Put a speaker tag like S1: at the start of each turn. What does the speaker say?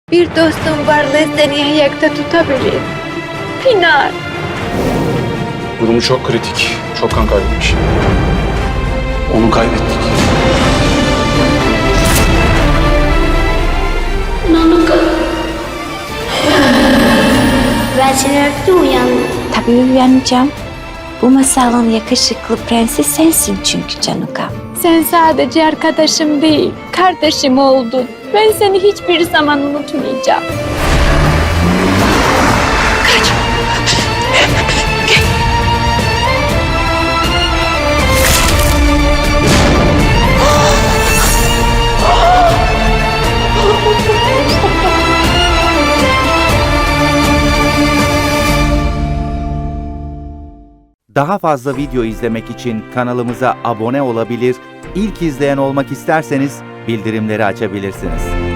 S1: Bir dostum varlığı seni ayakta tutabilir. Pinar.
S2: Durumu çok kritik. Çok kan kaybetmiş. Onu kaybettik.
S3: Ben seni öptüm, uyandım.
S4: Tabii uyanacağım. Bu masalın yakışıklı prensi sensin çünkü Canuka.
S1: Sen sadece arkadaşım değil, kardeşim oldun. Ben seni hiçbir zaman unutmayacağım.
S5: Daha fazla video izlemek için kanalımıza abone olabilir, ilk izleyen olmak isterseniz bildirimleri açabilirsiniz.